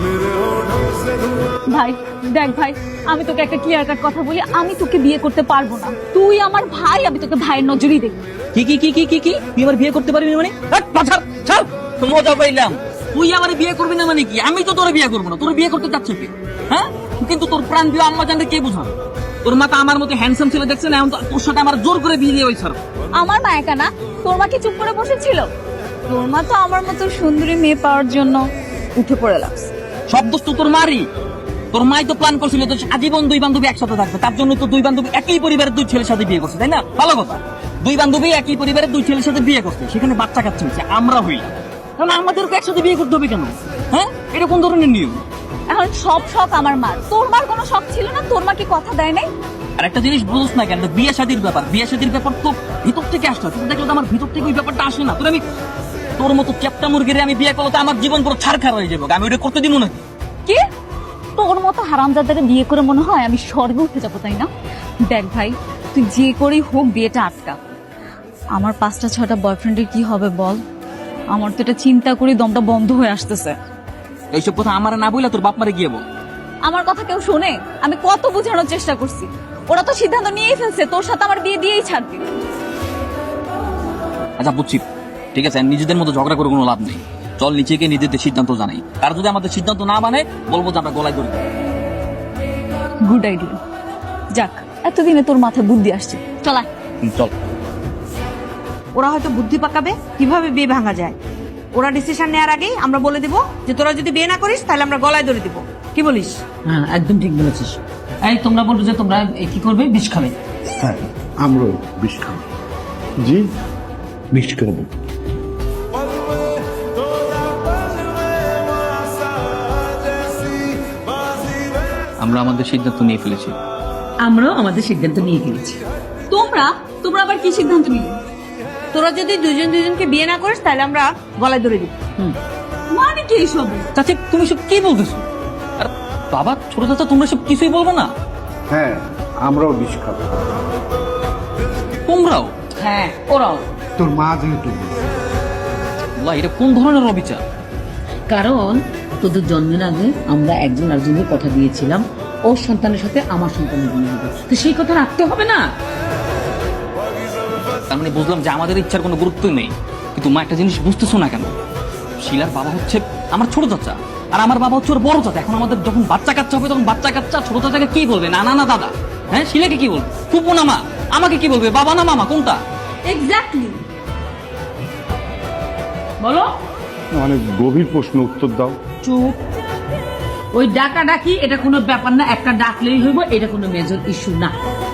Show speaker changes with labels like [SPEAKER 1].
[SPEAKER 1] ভাই দেখ ভাই, আমি তোকে একটা ক্লিয়ার কাট কথা বলি, আমি তোকে বিয়ে করতে পারবো না। তুই আমার ভাই, আমি তোকে ভাইয়ের নজরেই দেখি।
[SPEAKER 2] কি কি কি কি কি কি তুই আমার বিয়ে করতে পারবি না মানে? ছাড় ছাড়, মজা পাইলাম। তুই আমার বিয়ে করবি না মানে কি? আমি তো তোর বিয়ে করবো না। তোর বিয়ে করতে চাচ্ছ কি? হ্যাঁ, কিন্তু তোর প্রাণ দিয়ে আম্মা জানলে কে বুঝাবে? তোর মা তো আমার মতো হ্যান্ডসাম ছেলে দেখছে না, এখন তো তোর সাথে আমার জোর করে বিয়ে দিয়ে হয়েছে।
[SPEAKER 1] আমার মা একা না, তোর মা কি চুপ করে বসেছিল? তোর মা তো আমার মতো সুন্দরী মেয়ে পাওয়ার জন্য উঠে পড়ে লাগছে।
[SPEAKER 2] সব দোষ তো তোর মারই। তোর মাই তো প্ল্যান করছিল তো আজীবন দুই বান্ধবী একসাথে থাকবে, তার জন্য তো দুই বান্ধবী একই পরিবারের দুই ছেলের সাথে বিয়ে করছে, তাই না? ভালো কথা, দুই বান্ধবী একই পরিবারের দুই ছেলের সাথে বিয়ে করছে, সেখানে বাচ্চা কাচ্চা হচ্ছে, আমরা হইলাম। কারণ আমাদেরকে একসাথে বিয়ে করতে হবে কেন? হ্যাঁ, এটা কোন ধরনের নিয়ম?
[SPEAKER 1] এখন সব শখ আমার মার, তোর মার কোনো শখ ছিল না? তোর মা কি কথা দেয় নাই?
[SPEAKER 2] আর একটা জিনিস বুঝছ না কেন, বিয়ে শাদীর ব্যাপার, বিয়ে শাদীর ব্যাপার তো ভিতর থেকে আসতে হয়। দেখলে তো আমার ভিতর থেকে ওই ব্যাপারটা আসে না। তোর আমি তোর মতো চ্যাপটা মুরগিরে আমি বিয়ে করলে তো আমার জীবন পুরো ছাড়খাড় হয়ে যাবে। আমি ওটা করতে দিব নাকি?
[SPEAKER 1] কি তোর মতো হারামজাদাকে বিয়ে করে মনে হয় আমি স্বর্গে উঠে যাবো, তাই না? দেখ ভাই, তুই যে করেই হোক বিয়েটা আটকা। আমার 5টা 6টা বয়ফ্রেন্ডের কি হবে বল? আমার তো এটা চিন্তা করি দমটা বন্ধ হয়ে আসতেছে।
[SPEAKER 2] এইসব কথা আমার না বইলা তোর বাপ মারে গিয়ে বল।
[SPEAKER 1] আমার কথা কেউ শোনে? আমি কত বোঝানোর চেষ্টা করছি, ওরা তো সিদ্ধান্ত নিয়েই ফেলছে তোর সাথে আমার বিয়ে দিয়েই ছাড়বি।
[SPEAKER 2] আচ্ছা বুঝছি, ঠিক আছে, নিজেদের মতো ঝগড়া করে কোনো লাভ নেই। চল নিচে গিয়ে নিজেদের সিদ্ধান্ত জানাই। আর যদি আমাদের সিদ্ধান্ত না মানে, বলবো যে আমরা গলায় ধরি।
[SPEAKER 1] Good idea. যাক, এতদিনে তোর মাথায় বুদ্ধি আসছে, চল।
[SPEAKER 2] চল।
[SPEAKER 3] ওরা হয়তো বুদ্ধি পাকাবে কিভাবে বিয়ে ভাঙা যায়। ওরা ডিসিশন নেওয়ার আগেই আমরা বলে দিব যে তোরা যদি বিয়ে না করিস তাহলে আমরা গলায় ধরে দিব। কি বলিস?
[SPEAKER 4] হ্যাঁ, একদম ঠিক বলেছিস। এই তোমরা বলছো যে তোমরা কি করবে? বিষ খাবে?
[SPEAKER 5] হ্যাঁ, আমরাও বিষ খাবো। জি, বিষ খাবো।
[SPEAKER 2] আমরা আমাদের সিদ্ধান্ত নিয়ে ফেলেছি।
[SPEAKER 4] আমরাও আমাদের সিদ্ধান্ত নিয়ে ফেলেছি।
[SPEAKER 1] তোমরা তোমরা আবার কি সিদ্ধান্ত নিলে?
[SPEAKER 3] তোরা যদি দুজন দুজনকে বিয়ে না করিস তাহলে আমরা গলায় ধরে দিব।
[SPEAKER 1] মানে কি এইসব?
[SPEAKER 2] চাচি তুমি সব কি বলতেছো? আর বাবা, ছোট চাচা, তোমরা সব কিছুই বলবো না?
[SPEAKER 5] হ্যাঁ, আমরাও বিষ খাবো।
[SPEAKER 2] তোমরাও?
[SPEAKER 4] হ্যাঁ, ওরাও।
[SPEAKER 5] তোর মা যেহেতু বলছে।
[SPEAKER 2] আল্লাহ, এটা কোন ধরনের অবিচার?
[SPEAKER 4] কারণ তোদের জন্মের আগে আমরা একজন আরেকজনের কথা দিয়েছিলাম, ওর সন্তানের সাথে আমার সন্তানের বিয়ে হবে, তো সেই কথা রাখতে হবে না?
[SPEAKER 2] তার মানে বুঝলাম যে আমাদের ইচ্ছার কোনো গুরুত্বই নেই। কিন্তু মা, একটা জিনিস বুঝতেছো না কেন? শিলার বাবা হচ্ছে আমার ছোট চাচা, আর আমার বাবা হচ্ছে ওর বড় চাচা। এখন আমাদের যখন বাচ্চা কাচ্চা হবে, তখন বাচ্চা কাচ্চা ছোট চাচাকে কি বলবে? নানা না দাদা? হ্যাঁ, শিলাকে কি বলবে? ফুপু না মা? আমাকে কি বলবে? বাবা না মামা? কোনটা?
[SPEAKER 1] এক্স্যাক্টলি।
[SPEAKER 4] বলো।
[SPEAKER 5] অনেক গভীর প্রশ্ন, উত্তর দাও।
[SPEAKER 4] চুপ। ওই ডাকা ডাকি এটা কোনো ব্যাপার না, একটা ডাকলেই হইব, এটা কোনো মেজর ইস্যু না।